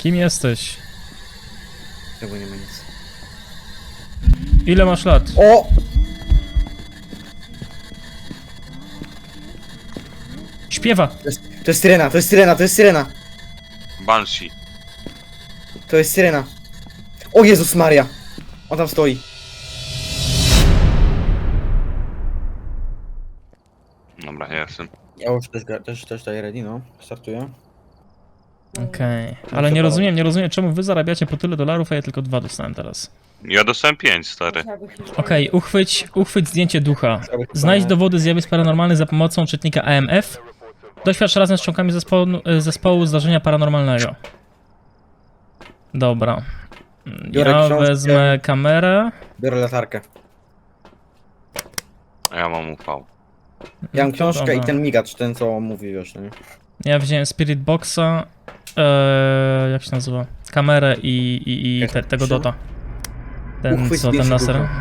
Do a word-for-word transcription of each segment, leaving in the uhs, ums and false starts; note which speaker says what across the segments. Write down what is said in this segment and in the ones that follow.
Speaker 1: Kim jesteś?
Speaker 2: Tego nie ma nic.
Speaker 1: Ile masz lat?
Speaker 2: O!
Speaker 1: Śpiewa!
Speaker 2: To jest, to jest syrena, to jest syrena, to jest syrena!
Speaker 3: Banshee.
Speaker 2: To jest syrena. O Jezus Maria! On tam stoi.
Speaker 3: Dobra, ja jestem.
Speaker 2: Ja już też, gra- też, też daję ready, no. Startuję.
Speaker 1: Okej, okay.
Speaker 2: No
Speaker 1: Ale nie
Speaker 2: co
Speaker 1: rozumiem, nie rozumiem czemu wy zarabiacie po tyle dolarów, a ja tylko dwa dostałem teraz.
Speaker 3: Ja dostałem pięć, stary.
Speaker 1: Okej, okay, uchwyć, uchwyć zdjęcie ducha. Znajdź dowody zjawisk paranormalnych za pomocą czytnika A M F. Doświadcz razem z członkami zespołu, zespołu zdarzenia paranormalnego. Dobra.
Speaker 2: Biorę
Speaker 1: Ja
Speaker 2: książkę.
Speaker 1: wezmę kamerę.
Speaker 2: Biorę latarkę.
Speaker 3: A ja mam U V.
Speaker 2: Ja mam książkę
Speaker 1: Dobra.
Speaker 2: i ten migacz, ten co mówi, wiesz, nie?
Speaker 1: Ja wziąłem Spirit Boxa. Eee, jak się nazywa? Kamerę i, i, i te, tego dota. Ten
Speaker 2: Uchwyć
Speaker 1: co, ten
Speaker 2: zdjęcie
Speaker 1: laser.
Speaker 2: ducha.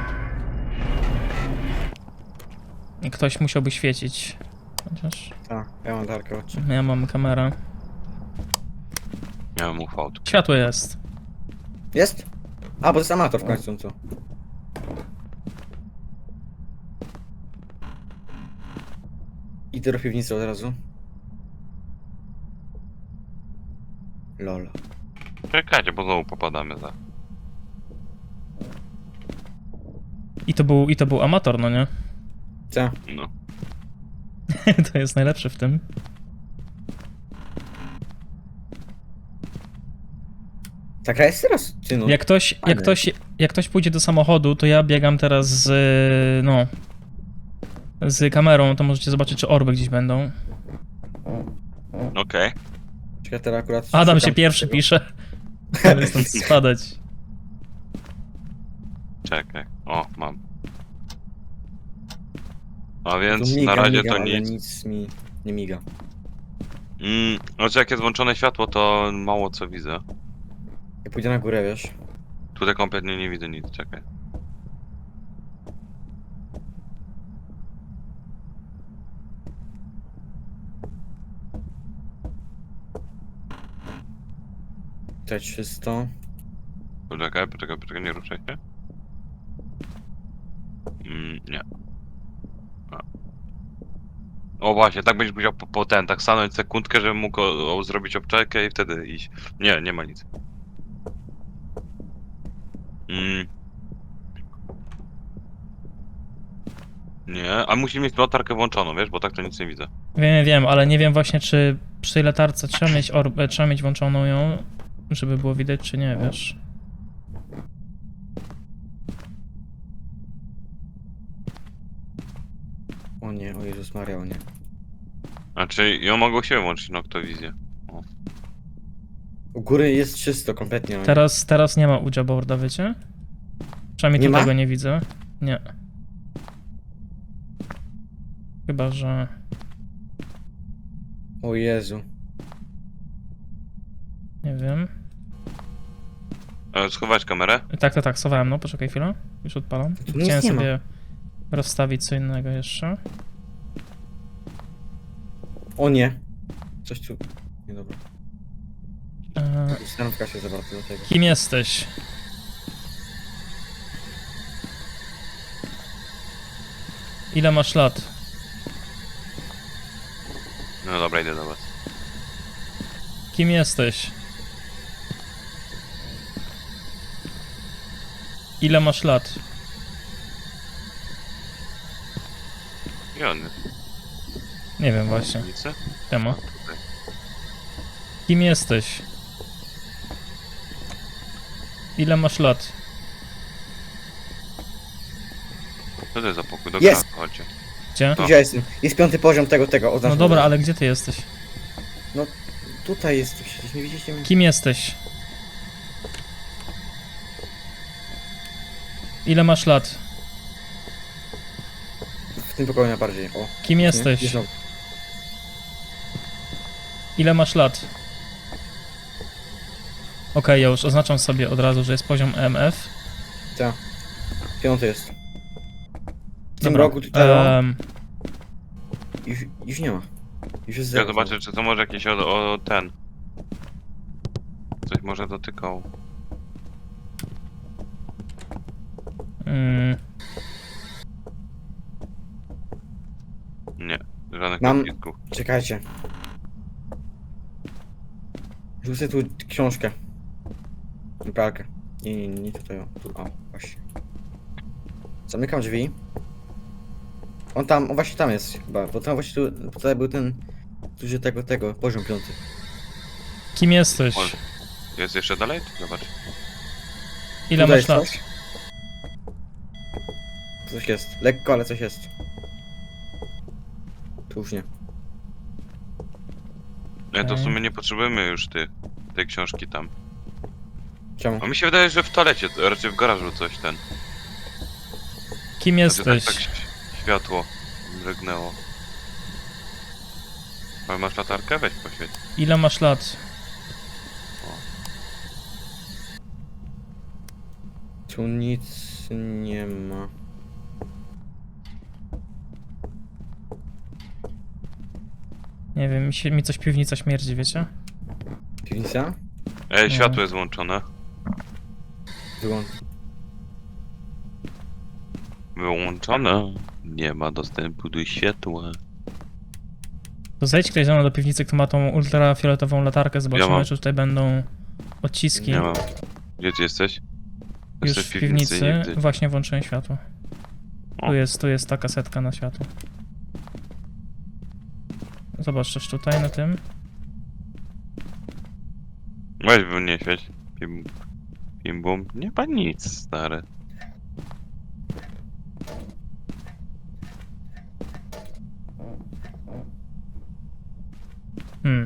Speaker 1: I ktoś musiałby świecić. Chociaż
Speaker 2: Tak, ja mam latarkę, chodźcie.
Speaker 1: ja mam kamerę.
Speaker 3: Ja mam U V.
Speaker 1: Światło jest.
Speaker 2: Jest? A, bo to jest amator w końcu, co? Idę do piwnicy od razu. Lol.
Speaker 3: Czekajcie, bo znowu popadamy za.
Speaker 1: I to był, i to był amator, no nie?
Speaker 2: Co?
Speaker 3: No.
Speaker 1: To jest najlepsze w tym.
Speaker 2: Ta gra jest teraz, czy no?
Speaker 1: Jak ktoś, jak ktoś, jak ktoś pójdzie do samochodu, to ja biegam teraz z, no, z kamerą, to możecie zobaczyć, czy orby gdzieś będą.
Speaker 3: Okej.
Speaker 2: Czekaj, teraz akurat...
Speaker 1: Adam
Speaker 2: szukam
Speaker 1: się pierwszy
Speaker 2: tego.
Speaker 1: pisze. Ale stąd spadać.
Speaker 3: Czekaj. O, mam. A
Speaker 2: Tu
Speaker 3: więc
Speaker 2: miga,
Speaker 3: na razie
Speaker 2: miga,
Speaker 3: to
Speaker 2: ale
Speaker 3: nic.
Speaker 2: nic mi nie miga.
Speaker 3: Mm, znaczy jak jest włączone światło, to mało co widzę.
Speaker 2: Ja pójdę na górę, wiesz?
Speaker 3: Tutaj kompletnie nie widzę nic, czekaj.
Speaker 2: Tutaj czysto.
Speaker 3: Poczekaj, poczekaj, poczekaj, nie ruszaj się. Mm, nie. A. O właśnie, tak będziesz musiał po, po ten, tak stanąć sekundkę, żebym mógł o, o, zrobić obczajkę i wtedy iść. Nie, nie ma nic. Mm. Nie, a musi mieć latarkę włączoną, wiesz, bo tak to nic nie widzę.
Speaker 1: Wiem, wiem, ale nie wiem właśnie, czy przy tej latarce trzeba mieć orbę, trzeba mieć włączoną ją, żeby było widać, czy nie, wiesz.
Speaker 2: O nie, o Jezus Maria, o nie.
Speaker 3: Znaczy, ją mogę u siebie włączyć, noktowizję.
Speaker 2: U góry jest czysto, kompletnie. o nie.
Speaker 1: Teraz, teraz nie ma Ouija boarda, wiecie? Przynajmniej
Speaker 2: Nie
Speaker 1: tutaj
Speaker 2: ma?
Speaker 1: go nie widzę. Nie. Chyba, że...
Speaker 2: O Jezu.
Speaker 1: nie wiem.
Speaker 3: E, schować kamerę?
Speaker 1: Tak, tak, tak, schowałem, no, poczekaj chwilę. Już odpalam.
Speaker 2: Tu nic
Speaker 1: Chciałem
Speaker 2: nie ma.
Speaker 1: sobie rozstawić co innego jeszcze.
Speaker 2: O nie. Coś tu... Nie, dobra.
Speaker 1: Eee,
Speaker 2: Stanówka się zawarta do tego.
Speaker 1: kim jesteś? Ile masz lat?
Speaker 3: No dobra, idę do was.
Speaker 1: Kim jesteś? Ile masz lat?
Speaker 3: I on jest.
Speaker 1: Nie wiem właśnie.
Speaker 3: Ulicy?
Speaker 1: Tema.
Speaker 3: Tutaj.
Speaker 1: Kim jesteś? Ile masz lat?
Speaker 3: Co to jest za pokój? Do
Speaker 2: Jest!
Speaker 3: gra, chodźcie.
Speaker 1: Gdzie?
Speaker 2: Tu gdzie ja jestem? Jest piąty poziom tego, tego,
Speaker 1: No
Speaker 2: oznaczam.
Speaker 1: dobra, ale gdzie ty jesteś?
Speaker 2: Tutaj jest, przecież nie widzieliście mnie?
Speaker 1: Kim jesteś? Ile masz lat?
Speaker 2: W tym pokoju najbardziej, o.
Speaker 1: Kim
Speaker 2: Nie?
Speaker 1: jesteś?
Speaker 2: Jest znowu.
Speaker 1: Ile masz lat? Okej, ja już oznaczam sobie od razu, że jest poziom M F.
Speaker 2: Tak. Piąty jest. W tym
Speaker 1: Dobra,
Speaker 2: roku tutaj o,
Speaker 1: em,
Speaker 2: już, już nie ma. Już jest
Speaker 3: Ja
Speaker 2: zero.
Speaker 3: zobaczę, czy to może jakieś o, o ten. Coś Coś może dotykał.
Speaker 1: Mm,
Speaker 3: Nie, żadnych
Speaker 2: Mam-
Speaker 3: pocisków.
Speaker 2: Czekajcie. Rzucę tu książkę. I pralkę. Nie, nie, nie tutaj. O, tu, o, właśnie. Zamykam drzwi. On tam, on właśnie tam jest chyba, bo tam właśnie tu, tutaj był ten duży tego, tego, poziom piąty.
Speaker 1: kim jesteś?
Speaker 3: Oj. Jest jeszcze dalej? Zobacz.
Speaker 1: Ile
Speaker 2: Tutaj
Speaker 1: masz lat?
Speaker 2: coś? Coś jest, lekko, ale coś jest. Tu już nie.
Speaker 3: Nie, to w
Speaker 1: Okej.
Speaker 3: sumie nie potrzebujemy już ty, tej książki tam.
Speaker 2: Czemu?
Speaker 3: A mi się wydaje, że w toalecie, to raczej w garażu coś ten.
Speaker 1: Kim
Speaker 3: Znaczy, tak,
Speaker 1: jesteś?
Speaker 3: tak ś- światło mrygnęło. Ale masz latarkę? Weź poświeć.
Speaker 1: Ile masz lat?
Speaker 2: Tu nic nie ma.
Speaker 1: Nie wiem, mi, się, mi coś piwnica śmierdzi, wiecie?
Speaker 2: Piwnica?
Speaker 3: Ej,
Speaker 1: No.
Speaker 3: światło jest włączone.
Speaker 2: Wyłącz.
Speaker 3: Wyłączone. Nie ma dostępu do światła.
Speaker 1: To zejdź ktoś ze mną do piwnicy, kto ma tą ultrafioletową latarkę, zobaczymy,
Speaker 3: mam.
Speaker 1: czy tutaj będą odciski.
Speaker 3: Nie mam. Gdzie ty jesteś?
Speaker 1: Już
Speaker 3: Jesteś
Speaker 1: w piwnicy,
Speaker 3: nigdy.
Speaker 1: właśnie włączyłem światło.
Speaker 3: O.
Speaker 1: Tu jest, tu jest ta kasetka na światło. Zobacz też tutaj na tym.
Speaker 3: Weź by nie świeć. Pim, pim bum. Nie ma nic, stary.
Speaker 1: Hmm.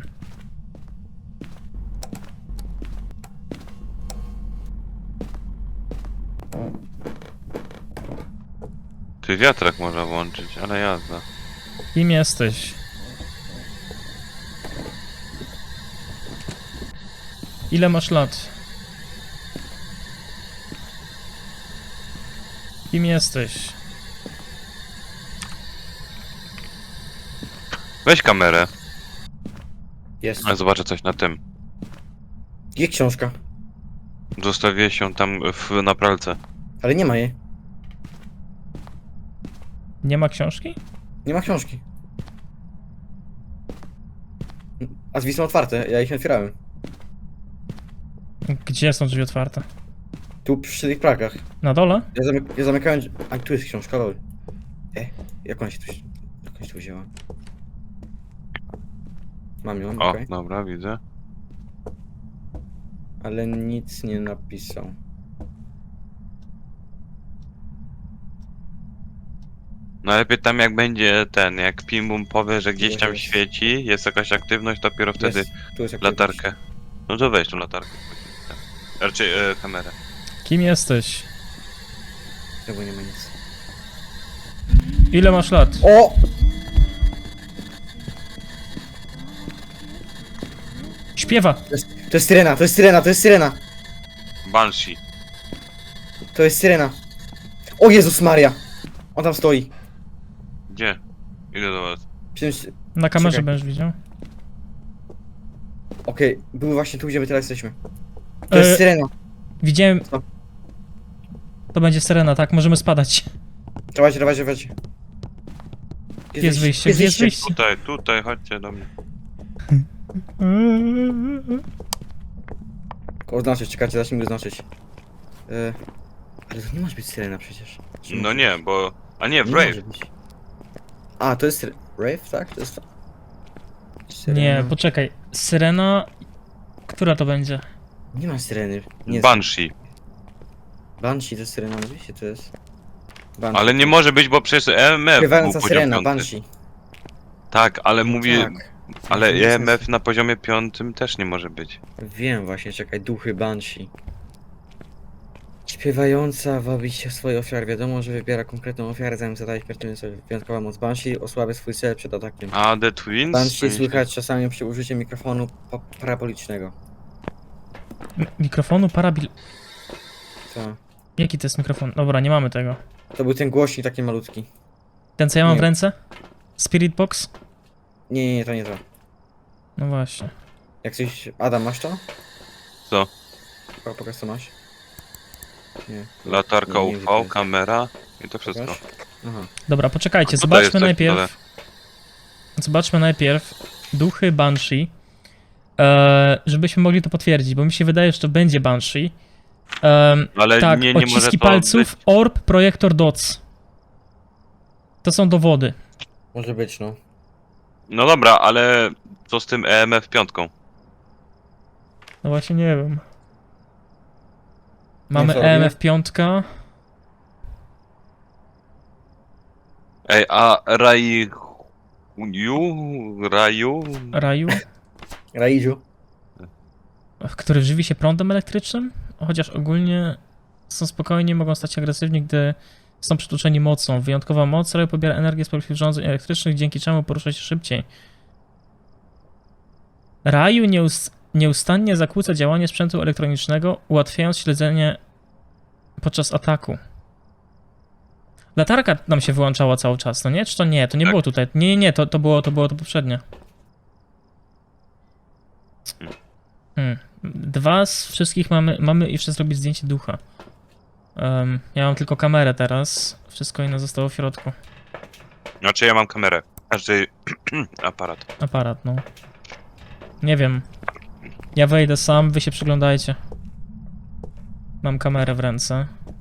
Speaker 3: Ty wiatrak można włączyć, ale jazda.
Speaker 1: Kim jesteś? Ile masz lat? Kim jesteś?
Speaker 3: Weź kamerę,
Speaker 2: Jest.
Speaker 3: a zobaczę coś na tym.
Speaker 2: Gdzie książka?
Speaker 3: Zostawię się tam w, na pralce.
Speaker 2: Ale nie ma jej.
Speaker 1: Nie ma książki?
Speaker 2: Nie ma książki. A drzwi są otwarte, ja ich nie otwierałem.
Speaker 1: Gdzie są drzwi otwarte?
Speaker 2: Tu przy tych pralkach.
Speaker 1: Na dole?
Speaker 2: Ja, zamyk ja zamykałem... drzwi- A tu jest książka, lol. E, jak ona się tu... Jak ona się tu wzięła? Mam ją,
Speaker 3: O,
Speaker 2: okej.
Speaker 3: dobra, widzę.
Speaker 2: Ale nic nie napisał.
Speaker 3: Najlepiej tam jak będzie ten, jak Pimbum powie, że gdzieś tam
Speaker 2: Jest.
Speaker 3: świeci, jest jakaś aktywność, dopiero wtedy
Speaker 2: Jest, tu jest aktywność.
Speaker 3: latarkę. No to weź tą latarkę. Raczej e, kamerę.
Speaker 1: Kim jesteś?
Speaker 2: Znowu nie ma nic.
Speaker 1: Ile masz lat?
Speaker 2: O!
Speaker 1: Śpiewa!
Speaker 2: To jest, to jest syrena, to jest syrena, to jest syrena!
Speaker 3: Banshee.
Speaker 2: To jest syrena. O Jezus Maria! On tam stoi.
Speaker 3: Gdzie? Idę do was.
Speaker 2: Przy tym-
Speaker 1: Na kamerze
Speaker 2: Czekaj.
Speaker 1: będziesz widział.
Speaker 2: Okej, był właśnie tu, gdzie my teraz jesteśmy. To jest
Speaker 1: E,
Speaker 2: syrena.
Speaker 1: Widziałem...
Speaker 2: Co?
Speaker 1: To będzie syrena, tak? Możemy spadać.
Speaker 2: Dawajcie, dawajcie, dawajcie.
Speaker 1: Gdzie jest wyjście? Gdzie jest wyjście?
Speaker 3: Tutaj, tutaj, chodźcie do mnie.
Speaker 2: Oznaczyć, czekajcie, zacznijmy go znaczyć. E, ale to nie może być syrena przecież. Czy
Speaker 3: No
Speaker 2: może?
Speaker 3: nie, bo... A nie, w
Speaker 2: Nie
Speaker 3: Rave.
Speaker 2: może być. A, to jest syre- Rave, tak? To jest to. Syrena.
Speaker 1: Nie, poczekaj. Syrena... Która to będzie?
Speaker 2: Nie ma syreny. Nie
Speaker 3: Banshee.
Speaker 2: Banshee to jest syrena, oczywiście to jest. Banshee.
Speaker 3: Ale nie może być, bo przecież E M F był
Speaker 2: Śpiewająca
Speaker 3: poziom
Speaker 2: syrena,
Speaker 3: piąty.
Speaker 2: Banshee.
Speaker 3: Tak, ale mówi...
Speaker 2: Tak.
Speaker 3: Ale
Speaker 2: Nie
Speaker 3: E
Speaker 2: sens.
Speaker 3: M F na poziomie piątym też nie może być.
Speaker 2: Wiem właśnie, czekaj, duchy Banshee. Śpiewająca wabi się swojej ofiary. Wiadomo, że wybiera konkretną ofiarę, zanim zadaje śmiertelny sobie wyjątkowa moc Banshee, osłabia swój cel przed atakiem.
Speaker 3: A The Twins?
Speaker 2: Banshee słychać czasami przy użyciu mikrofonu pa parabolicznego.
Speaker 1: M mikrofonu parabil...
Speaker 2: Co?
Speaker 1: Jaki to jest mikrofon? Dobra, nie mamy tego.
Speaker 2: To był ten głośnik taki malutki.
Speaker 1: Ten co ja mam
Speaker 2: Nie.
Speaker 1: w ręce? Spirit Box?
Speaker 2: Nie, nie, nie, to nie to.
Speaker 1: No właśnie.
Speaker 2: Jak coś... Adam, masz to?
Speaker 3: Co?
Speaker 2: Po- Pokaż co masz. Nie.
Speaker 3: Latarka
Speaker 2: Nie, nie
Speaker 3: U
Speaker 2: widzę.
Speaker 3: V, kamera i to wszystko.
Speaker 2: Pokaż. Aha.
Speaker 1: Dobra, poczekajcie,
Speaker 3: A tutaj jest
Speaker 1: zobaczmy
Speaker 3: coś na dole.
Speaker 1: najpierw. Zobaczmy najpierw duchy Banshee. E, żebyśmy mogli to potwierdzić, bo mi się wydaje, że to będzie Banshee. Em,
Speaker 3: Ale
Speaker 1: tak,
Speaker 3: nie, nie może
Speaker 1: odciski
Speaker 3: to
Speaker 1: palców,
Speaker 3: być.
Speaker 1: orb, projektor dots. To są dowody.
Speaker 2: Może być, no.
Speaker 3: No dobra, ale co z tym E M F piątką?
Speaker 1: No właśnie nie wiem. Mamy
Speaker 2: co robię?
Speaker 1: E M F pięć.
Speaker 3: Ej, a Raju... Raju?
Speaker 1: Raju,
Speaker 2: Raidziu.
Speaker 1: który żywi się prądem elektrycznym, chociaż ogólnie są spokojni, mogą stać się agresywni, gdy są przytłoczeni mocą. Wyjątkowa moc Raju pobiera energię z polskich urządzeń elektrycznych, dzięki czemu porusza się szybciej. Raju nieus nieustannie zakłóca działanie sprzętu elektronicznego, ułatwiając śledzenie podczas ataku. Latarka nam się wyłączała cały czas, no nie? Czy to nie? To nie
Speaker 3: Tak.
Speaker 1: było tutaj. Nie, nie, nie, to, to było to było to poprzednie. Hmm. Dwa z wszystkich mamy, mamy jeszcze zrobić zdjęcie ducha. Um, ja mam tylko kamerę teraz, wszystko inne zostało w środku.
Speaker 3: Znaczy ja mam kamerę. Znaczy aparat.
Speaker 1: Aparat, no. Nie wiem. Ja wejdę sam, wy się przyglądajcie. Mam kamerę w ręce.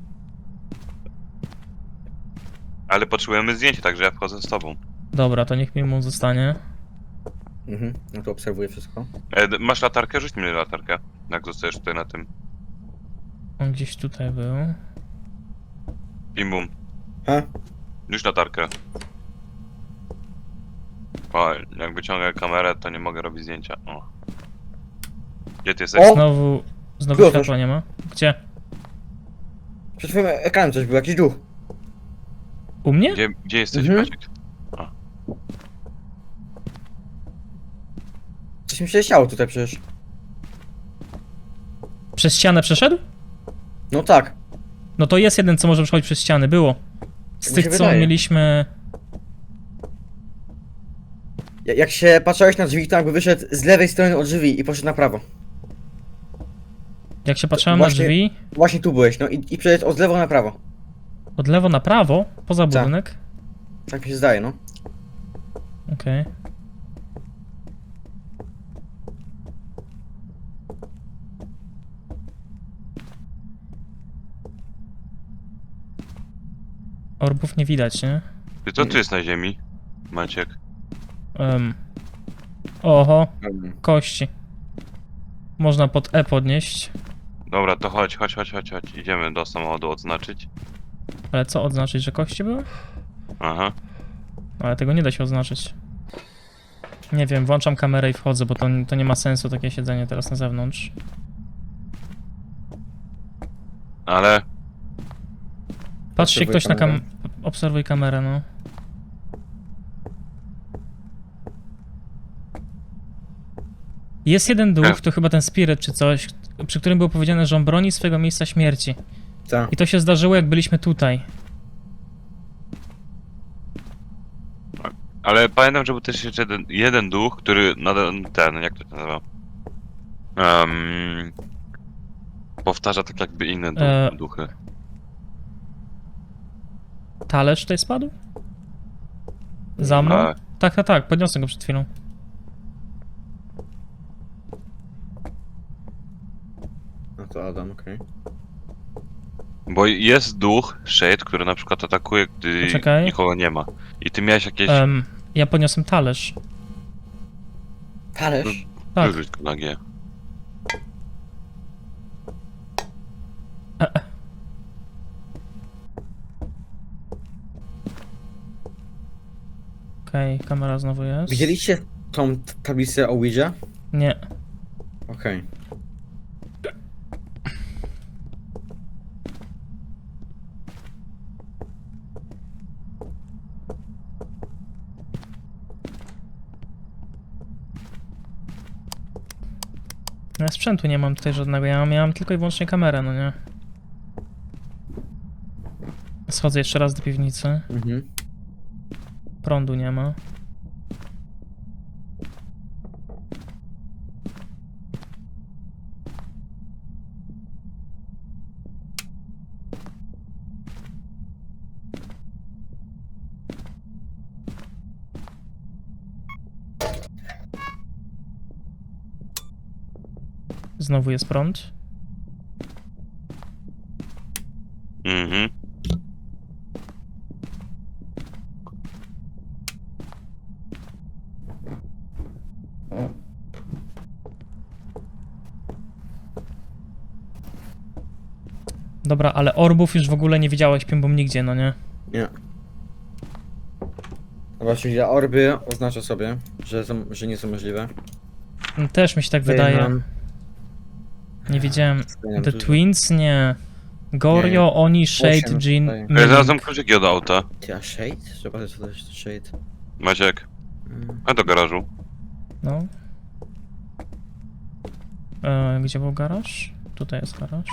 Speaker 3: Ale potrzebujemy zdjęcie, także ja wchodzę z tobą.
Speaker 1: Dobra, to niech mi mu zostanie.
Speaker 2: Mhm. No to obserwuję wszystko.
Speaker 3: E, d- masz latarkę? Rzuć mi latarkę. Jak zostajesz tutaj na tym.
Speaker 1: On gdzieś tutaj był.
Speaker 3: Bim bum.
Speaker 2: Ha?
Speaker 3: Już latarkę. O, jak wyciągę kamerę, to nie mogę robić zdjęcia. O. Gdzie ty jesteś?
Speaker 2: O!
Speaker 1: Znowu, znowu
Speaker 2: Było
Speaker 1: światła nie ma. Gdzie?
Speaker 2: Przed twoim ekranem coś był, jakiś duch.
Speaker 1: U mnie?
Speaker 3: Gdzie, gdzie jesteś,
Speaker 2: Mhm.
Speaker 3: Maciek?
Speaker 2: Coś mi się chciało tutaj przecież.
Speaker 1: Przez ścianę przeszedł?
Speaker 2: No tak.
Speaker 1: No to jest jeden, co może przechodzić przez ściany, było. Z
Speaker 2: Mi
Speaker 1: tych,
Speaker 2: się
Speaker 1: co
Speaker 2: wydaje.
Speaker 1: mieliśmy...
Speaker 2: Ja- Jak się patrzyłeś na drzwi, to jakby wyszedł z lewej strony od drzwi i poszedł na prawo.
Speaker 1: Jak się patrzyłem na
Speaker 2: właśnie-
Speaker 1: drzwi,
Speaker 2: Właśnie tu byłeś, no i, i przeszedł od lewo na prawo.
Speaker 1: od lewo na prawo, poza
Speaker 2: Tak.
Speaker 1: budynek.
Speaker 2: Tak mi się zdaje, no.
Speaker 1: Okej. Orbów nie widać, nie?
Speaker 3: Ty co tu jest na ziemi, Maciek?
Speaker 1: Um. Oho,
Speaker 2: Mhm.
Speaker 1: kości. Można pod E podnieść,
Speaker 3: Dobra, to chodź, chodź, chodź, chodź, chodź. Idziemy do samochodu odznaczyć.
Speaker 1: ale co odznaczyć, że kości były?
Speaker 3: Aha.
Speaker 1: Ale tego nie da się oznaczyć. Nie wiem, włączam kamerę i wchodzę, bo to, to nie ma sensu takie siedzenie teraz na zewnątrz.
Speaker 3: Ale
Speaker 1: Patrzcie
Speaker 2: Obserwuj
Speaker 1: ktoś na kam...
Speaker 2: kamerę.
Speaker 1: Obserwuj kamerę, no. Jest jeden duch, to chyba ten Spirit czy coś, przy którym było powiedziane, że on broni swojego miejsca śmierci.
Speaker 2: Tak.
Speaker 1: I to się zdarzyło, jak byliśmy tutaj.
Speaker 3: Ale pamiętam, że był też jeszcze jeden, jeden duch, który nadal ten, jak to się nazywa? Um, powtarza tak jakby inne du
Speaker 1: E,
Speaker 3: duchy.
Speaker 1: Talerz tutaj spadł? Za mną?
Speaker 3: A,
Speaker 1: Tak, tak, tak, podniosłem go przed chwilą.
Speaker 2: No to Adam, okej.
Speaker 3: bo jest duch, Shade, który na przykład atakuje, gdy
Speaker 1: Poczekaj.
Speaker 3: nikogo nie ma. I ty miałeś jakieś...
Speaker 1: Em, ja podniosłem talerz.
Speaker 2: Talerz?
Speaker 1: Tak.
Speaker 3: Wyrzuć go na G.
Speaker 1: Okej, kamera znowu jest.
Speaker 2: Widzieliście tą t- tablicę o Ouija?
Speaker 1: Nie.
Speaker 2: Okej.
Speaker 1: Ja sprzętu nie mam tutaj żadnego, ja miałem tylko i wyłącznie kamerę, no nie. Schodzę jeszcze raz do piwnicy.
Speaker 2: Mhm.
Speaker 1: Prądu nie ma. Znowu jest prąd.
Speaker 3: Mhm.
Speaker 1: Dobra, ale orbów już w ogóle nie widziałeś piębą nigdzie, no nie?
Speaker 2: Nie. Dobra, czyli ja orby oznaczę sobie, że, są, że nie są możliwe.
Speaker 1: No, też mi się tak
Speaker 2: Daję
Speaker 1: wydaje.
Speaker 2: nam-
Speaker 1: Nie widziałem.
Speaker 2: daję nam
Speaker 1: The
Speaker 2: dużo.
Speaker 1: Twins? Nie. Gorio, Oni, Shade,
Speaker 2: Osiem
Speaker 1: Jean,
Speaker 2: daję.
Speaker 3: Ja
Speaker 1: Mimic.
Speaker 3: znalazłem kluczyki od auta.
Speaker 2: Ty, a Shade? Zobaczę co to jest Shade.
Speaker 3: Maciek,
Speaker 2: Mm.
Speaker 3: a do garażu.
Speaker 1: No. E, gdzie był garaż? Tutaj jest garaż.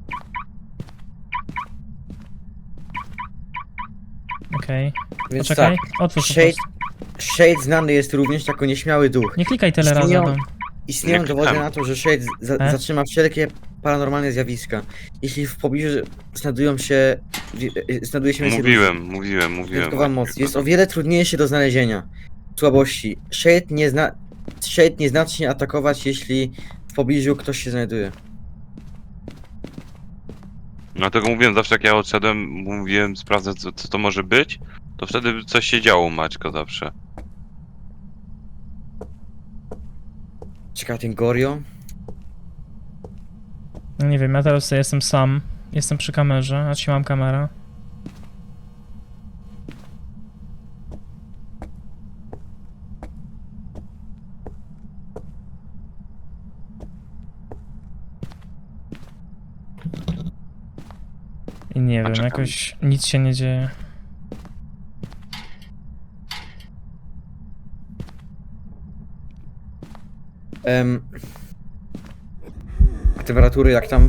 Speaker 1: Okej.
Speaker 2: Więc
Speaker 1: Poczekaj,
Speaker 2: tak,
Speaker 1: otwórz po
Speaker 2: Shade,
Speaker 1: prostu.
Speaker 2: Shade znany jest również jako nieśmiały duch.
Speaker 1: Nie klikaj tyle razy,
Speaker 2: Istnieją-
Speaker 1: Adam.
Speaker 2: Istnieją
Speaker 3: Nie
Speaker 2: dowody
Speaker 3: klikam.
Speaker 2: na to, że Shade za
Speaker 1: E?
Speaker 2: zatrzyma wszelkie paranormalne zjawiska. Jeśli w pobliżu znajdują się... wi- e, znajduje się więcej ludzi.
Speaker 3: Mówiłem, mówiłem, mówiłem.
Speaker 2: Wyjątkowa moc. Jest o wiele trudniejszy do znalezienia. Słabości. Shade nie zna... Shade nie zacznie atakować, jeśli w pobliżu ktoś się znajduje.
Speaker 3: Dlatego mówiłem zawsze, jak ja odszedłem, mówiłem, sprawdzę co, co to może być, to wtedy coś się działo u Maćka zawsze.
Speaker 2: Czekaj, ten Gorio?
Speaker 1: No nie wiem, ja teraz sobie jestem sam. Jestem przy kamerze, a trzymam kamerę. I nie wiem,
Speaker 3: czekam.
Speaker 1: jakoś nic się nie dzieje.
Speaker 2: Em... A temperatury jak tam?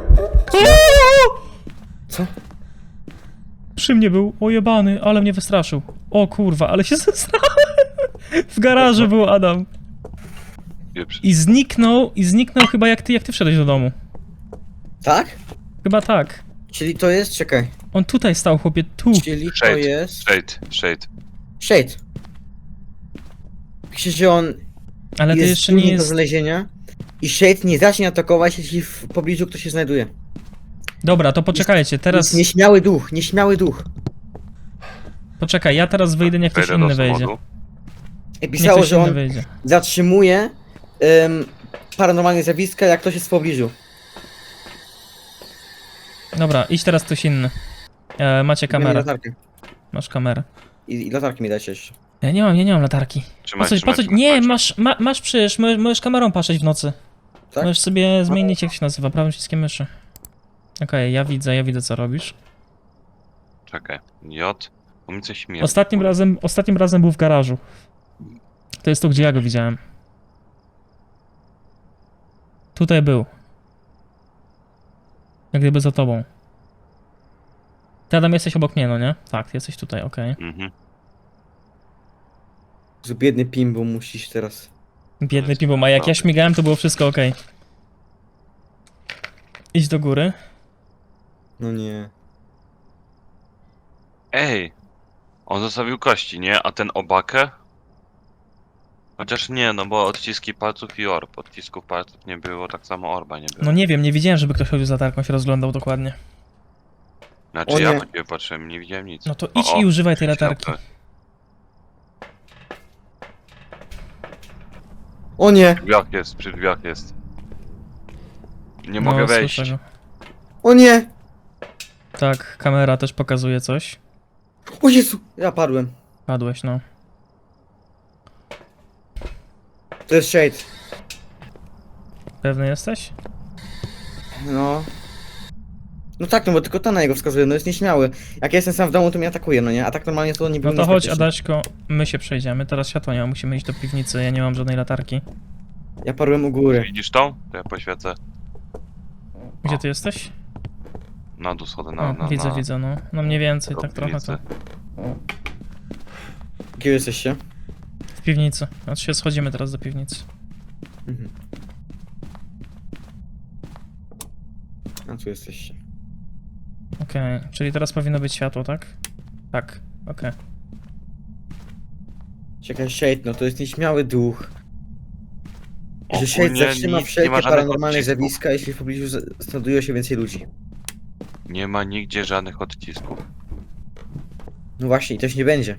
Speaker 2: Co?
Speaker 1: Przy mnie był ojebany, ale mnie wystraszył. O kurwa, ale się zesrałem. W garażu był Adam.
Speaker 3: Pieprz.
Speaker 1: I zniknął, i zniknął chyba jak ty, jak ty wszedłeś do domu.
Speaker 2: Tak?
Speaker 1: Chyba tak.
Speaker 2: Czyli to jest... Czekaj.
Speaker 1: On tutaj stał, chłopie, tu.
Speaker 2: Czyli to
Speaker 3: Shade.
Speaker 2: jest...
Speaker 3: Shade, shade.
Speaker 2: Shade. Pisze, że on
Speaker 1: Ale to
Speaker 2: jest
Speaker 1: jeszcze nie
Speaker 2: trudny do
Speaker 1: jest...
Speaker 2: znalezienia i Shade nie zacznie atakować, jeśli w pobliżu ktoś się znajduje.
Speaker 1: Dobra, to poczekajcie, teraz...
Speaker 2: Jest nieśmiały duch, nieśmiały duch.
Speaker 1: Poczekaj, ja teraz wyjdę, niech ktoś
Speaker 3: Wejdę do
Speaker 1: inny wejdzie.
Speaker 3: samochodu.
Speaker 2: I
Speaker 1: Niech
Speaker 2: pisało,
Speaker 1: ktoś
Speaker 2: że
Speaker 1: inny
Speaker 2: on
Speaker 1: wejdzie.
Speaker 2: zatrzymuje em, paranormalne zjawiska, jak ktoś jest w pobliżu.
Speaker 1: Dobra, idź teraz ktoś inny. E, macie
Speaker 2: Daj mi
Speaker 1: kamerę.
Speaker 2: latarkę.
Speaker 1: Masz kamerę.
Speaker 2: I, I latarki mi dajcie jeszcze.
Speaker 1: Ja nie mam, ja nie mam latarki. Po
Speaker 3: Trzymaj,
Speaker 1: co, po
Speaker 3: trzymaj,
Speaker 1: co,
Speaker 3: trzymaj,
Speaker 1: nie,
Speaker 3: Maciek.
Speaker 1: masz, ma, masz przecież, możesz, możesz kamerą patrzeć w nocy.
Speaker 2: Tak?
Speaker 1: Możesz sobie zmienić, jak się nazywa, prawym przyciskiem myszy. Okej, ja widzę, ja widzę co robisz.
Speaker 3: Czekaj. J. Bo mi coś śmieje.
Speaker 1: Ostatnim razem, ostatnim razem był w garażu. To jest to, gdzie ja go widziałem. Tutaj był. Jak gdyby za tobą. Ty Adam jesteś obok mnie, no nie? Tak, ty jesteś tutaj, okej.
Speaker 3: Mhm.
Speaker 2: Z biedny Pimbo musisz teraz.
Speaker 1: Biedny Pimbo, a jak ja śmigałem, to było wszystko okej. Idź do góry.
Speaker 2: No nie.
Speaker 3: Ej! On zostawił kości, nie? A ten obakę? Chociaż nie, no bo odciski palców i orb. Odcisków palców nie było, tak samo orba nie było.
Speaker 1: No nie wiem, nie widziałem, żeby ktoś chodził za latarką, się rozglądał dokładnie.
Speaker 3: Znaczy
Speaker 2: O
Speaker 3: ja
Speaker 2: nie.
Speaker 3: na ciebie patrzyłem, nie widziałem nic.
Speaker 1: No to
Speaker 3: O,
Speaker 1: idź
Speaker 3: o,
Speaker 1: i używaj tej
Speaker 3: światło.
Speaker 1: latarki.
Speaker 2: O nie!
Speaker 3: Przy drzwiach jest, przy drzwiach jest. Nie
Speaker 1: No,
Speaker 3: mogę wejść.
Speaker 1: słyszę go.
Speaker 2: O nie!
Speaker 1: Tak, kamera też pokazuje coś.
Speaker 2: O Jezu! Ja padłem.
Speaker 1: Padłeś, no.
Speaker 2: To jest Shade.
Speaker 1: Pewny jesteś?
Speaker 2: No. No tak, no bo tylko to na niego wskazuje, no jest nieśmiały. Jak ja jestem sam w domu, to mnie atakuje, no nie? A tak normalnie to nie
Speaker 1: No
Speaker 2: był
Speaker 1: to chodź,
Speaker 2: niebezpieczny.
Speaker 1: Adaśko, my się przejdziemy. Teraz światła nie ma, musimy iść do piwnicy, ja nie mam żadnej latarki.
Speaker 2: Ja padłem u góry.
Speaker 3: Widzisz tą? To ja poświecę.
Speaker 1: Gdzie
Speaker 3: O.
Speaker 1: ty jesteś?
Speaker 3: Na dół schodzę,
Speaker 1: O,
Speaker 3: na, na,
Speaker 1: widzę,
Speaker 3: na,
Speaker 1: widzę, no. No mniej więcej,
Speaker 3: do
Speaker 1: tak trochę to.
Speaker 3: piwnicy.
Speaker 2: Gdzie jesteście?
Speaker 1: W piwnicy. Znaczy się schodzimy teraz do piwnicy.
Speaker 2: Mhm. A tu jesteście.
Speaker 1: Okej, czyli teraz powinno być światło, tak? Tak, okej.
Speaker 2: Czekaj, Shade, no to jest nieśmiały duch. Że Shade
Speaker 3: Ogólnie
Speaker 2: zatrzyma
Speaker 3: nic, nie
Speaker 2: wszelkie
Speaker 3: ma żadnych
Speaker 2: paranormalne
Speaker 3: odcisków.
Speaker 2: zjawiska, jeśli w pobliżu z- znajduje się więcej ludzi.
Speaker 3: Nie ma nigdzie żadnych odcisków.
Speaker 2: No właśnie, i też nie będzie.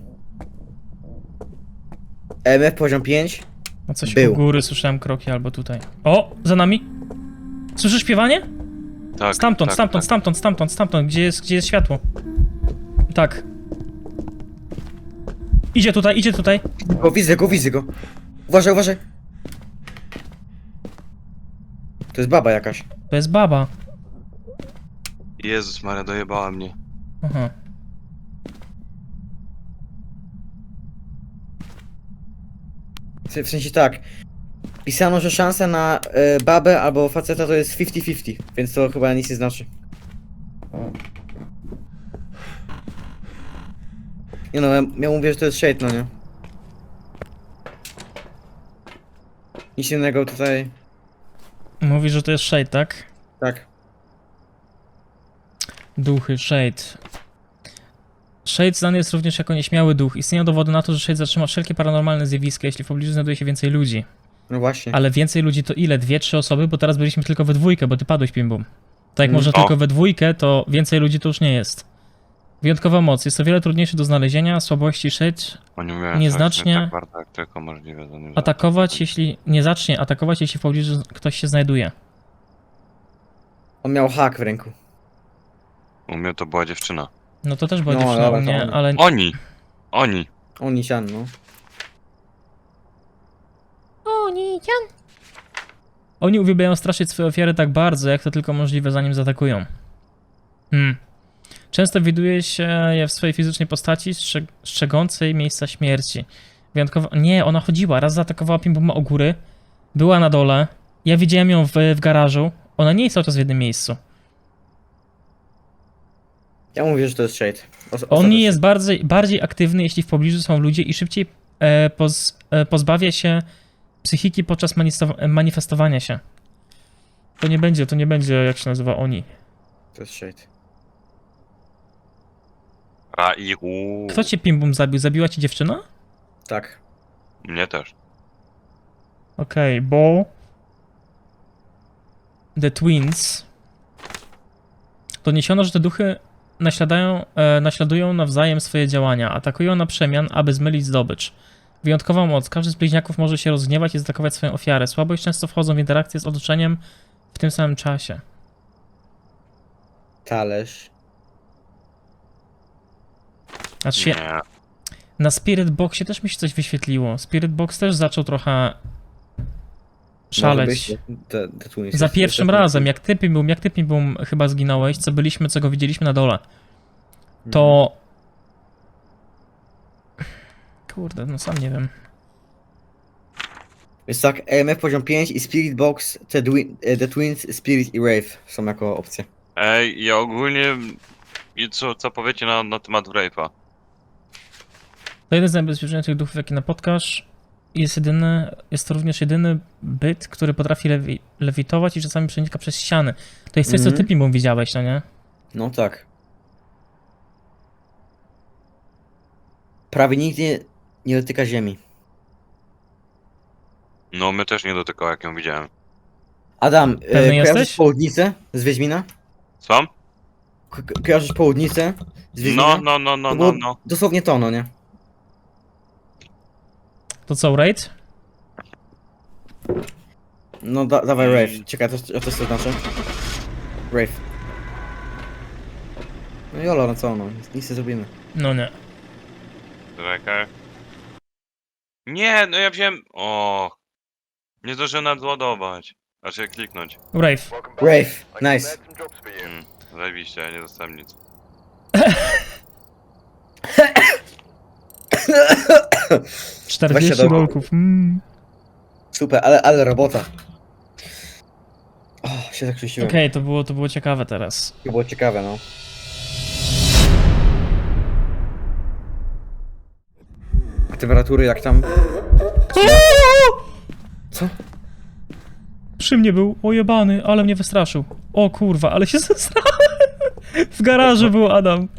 Speaker 2: E M F poziom pięć.
Speaker 1: No coś
Speaker 2: Był.
Speaker 1: u góry, słyszałem kroki albo tutaj. O, za nami. Słyszysz śpiewanie?
Speaker 3: Tak,
Speaker 1: Stamtąd,
Speaker 3: tak,
Speaker 1: stamtąd,
Speaker 3: tak.
Speaker 1: stamtąd, stamtąd, stamtąd, gdzie jest, gdzie jest światło. Tak. Idzie tutaj, idzie tutaj.
Speaker 2: O, widzę go, widzę go. Uważaj, uważaj. To jest baba jakaś.
Speaker 1: To jest baba.
Speaker 3: Jezus Maria, dojebała mnie.
Speaker 1: Aha.
Speaker 2: W w sensie tak. Pisano, że szansa na e, babę albo faceta to jest pięćdziesiąt pięćdziesiąt, więc to chyba nic nie znaczy. Nie no, ja, ja mówię, że to jest shade, no nie? Nic innego tutaj...
Speaker 1: Mówi, że to jest Shade, tak?
Speaker 2: Tak.
Speaker 1: Duchy, Shade. Shade znany jest również jako nieśmiały duch. Istnieją dowody na to, że Shade zatrzyma wszelkie paranormalne zjawiska, jeśli w pobliżu znajduje się więcej ludzi.
Speaker 2: No właśnie.
Speaker 1: Ale więcej ludzi to ile? Dwie, trzy osoby? Bo teraz byliśmy tylko we dwójkę, bo ty padłeś, Pimbum. Tak jak
Speaker 2: Mm.
Speaker 1: może
Speaker 3: O.
Speaker 1: tylko we dwójkę, to więcej ludzi to już nie jest. Wyjątkowa moc. Jest o wiele trudniejszy do znalezienia. Słabości Shade
Speaker 3: Oni mówią,
Speaker 1: Nieznacznie-
Speaker 3: tak bardzo jak tylko możliwe. To nie
Speaker 1: atakować, jeśli nie zacznie atakować, jeśli w pobliżu ktoś się znajduje.
Speaker 2: On miał hak w ręku.
Speaker 3: U mnie to była dziewczyna.
Speaker 1: No to też była
Speaker 2: No,
Speaker 1: dziewczyna
Speaker 2: dobra,
Speaker 1: u
Speaker 2: to
Speaker 1: mnie,
Speaker 2: oni.
Speaker 1: ale
Speaker 3: Oni! Oni!
Speaker 2: Oni sian, no.
Speaker 1: oni uwielbiają straszyć swoje ofiary tak bardzo, jak to tylko możliwe, zanim zaatakują. Hmm. Często widuje się je w swojej fizycznej postaci, strze- strzegącej miejsca śmierci. Wyjątkowo... Nie, ona chodziła. Raz zaatakowała Pimbuma o góry, była na dole. Ja widziałem ją w, w garażu. Ona nie jest cały czas w jednym miejscu.
Speaker 2: Ja mówię, że to jest shade. Os
Speaker 1: On
Speaker 2: ostatecznie.
Speaker 1: jest bardziej, bardziej aktywny, jeśli w pobliżu są ludzie i szybciej e, poz, e, pozbawia się psychiki podczas manifestowa- manifestowania się. To nie będzie, to nie będzie, jak się nazywa, oni.
Speaker 2: To jest shade.
Speaker 3: Raihu!
Speaker 1: Kto cię Pimbum zabił? Zabiła ci dziewczyna?
Speaker 2: Tak.
Speaker 3: Mnie też.
Speaker 1: Okej, bo... The Twins... Doniesiono, że te duchy naśladają, e, naśladują nawzajem swoje działania. Atakują na przemian, aby zmylić zdobycz. Wyjątkowa moc. Każdy z bliźniaków może się rozgniewać i zaatakować swoją ofiarę. Słabość często wchodzą w interakcję z otoczeniem w tym samym czasie.
Speaker 2: Talerz.
Speaker 1: Znaczy się,
Speaker 3: Nie.
Speaker 1: na Spirit Boxie też mi się coś wyświetliło. Spirit Box też zaczął trochę
Speaker 2: Może
Speaker 1: szaleć.
Speaker 2: być, te, te twins
Speaker 1: Za
Speaker 2: jest-
Speaker 1: pierwszym
Speaker 2: jest-
Speaker 1: razem, jak ty Pimbum, jak ty Pimbum chyba zginąłeś, co byliśmy, co go widzieliśmy na dole,
Speaker 2: Mhm.
Speaker 1: to... Kurde, no sam nie wiem.
Speaker 2: Jest tak, E M F poziom pięć i Spirit Box, The, Dwi- e, the Twins, Spirit i Wraith są jako opcje.
Speaker 3: Ej, ja ogólnie... I co, co powiecie na, na temat Wraith'a?
Speaker 1: To jeden z najbezpieczniejszych duchów, jaki napotkasz. Jest jedyny, jest to również jedyny byt, który potrafi lewi, lewitować i czasami przenika przez ściany. To jest coś, co
Speaker 2: Mhm.
Speaker 1: ty Pimbum widziałeś, no nie?
Speaker 2: No tak. Prawie nigdy nie dotyka ziemi.
Speaker 3: No, mnie też nie dotykał, jak ją widziałem.
Speaker 2: Adam, e,
Speaker 1: Pewny
Speaker 2: kojarzysz
Speaker 1: jesteś?
Speaker 2: południcę z Wiedźmina?
Speaker 3: Sam?
Speaker 2: Ko ko- kojarzysz południcę z Wiedźmina?
Speaker 3: No, no, no, no,
Speaker 2: To
Speaker 3: no,
Speaker 2: było
Speaker 3: no.
Speaker 2: Dosłownie to, no nie?
Speaker 1: To co, Raid?
Speaker 2: No da dawaj
Speaker 3: Mm.
Speaker 2: Wraith. Czekaj, to, to, to co znaczy? Wraith. No jolo, no co no, nic nie zrobimy.
Speaker 1: No nie.
Speaker 3: Czekaj. Nie, no ja wziąłem... O, nie zdążyłem nadładować. Znaczy kliknąć.
Speaker 1: Wraith.
Speaker 2: Wraith, nice.
Speaker 3: Mm, zajebiście, ja nie dostałem nic.
Speaker 1: czterdzieści
Speaker 2: dolków.
Speaker 1: dolków. Mm.
Speaker 2: Super, ale, ale robota. O, się zakrzesiłem.
Speaker 1: Okej, to, było, to było ciekawe teraz.
Speaker 2: To było ciekawe, no. A temperatury jak tam? Co?
Speaker 1: Przy mnie był ojebany, ale mnie wystraszył. O kurwa, ale się zesrałem. W garażu był Adam.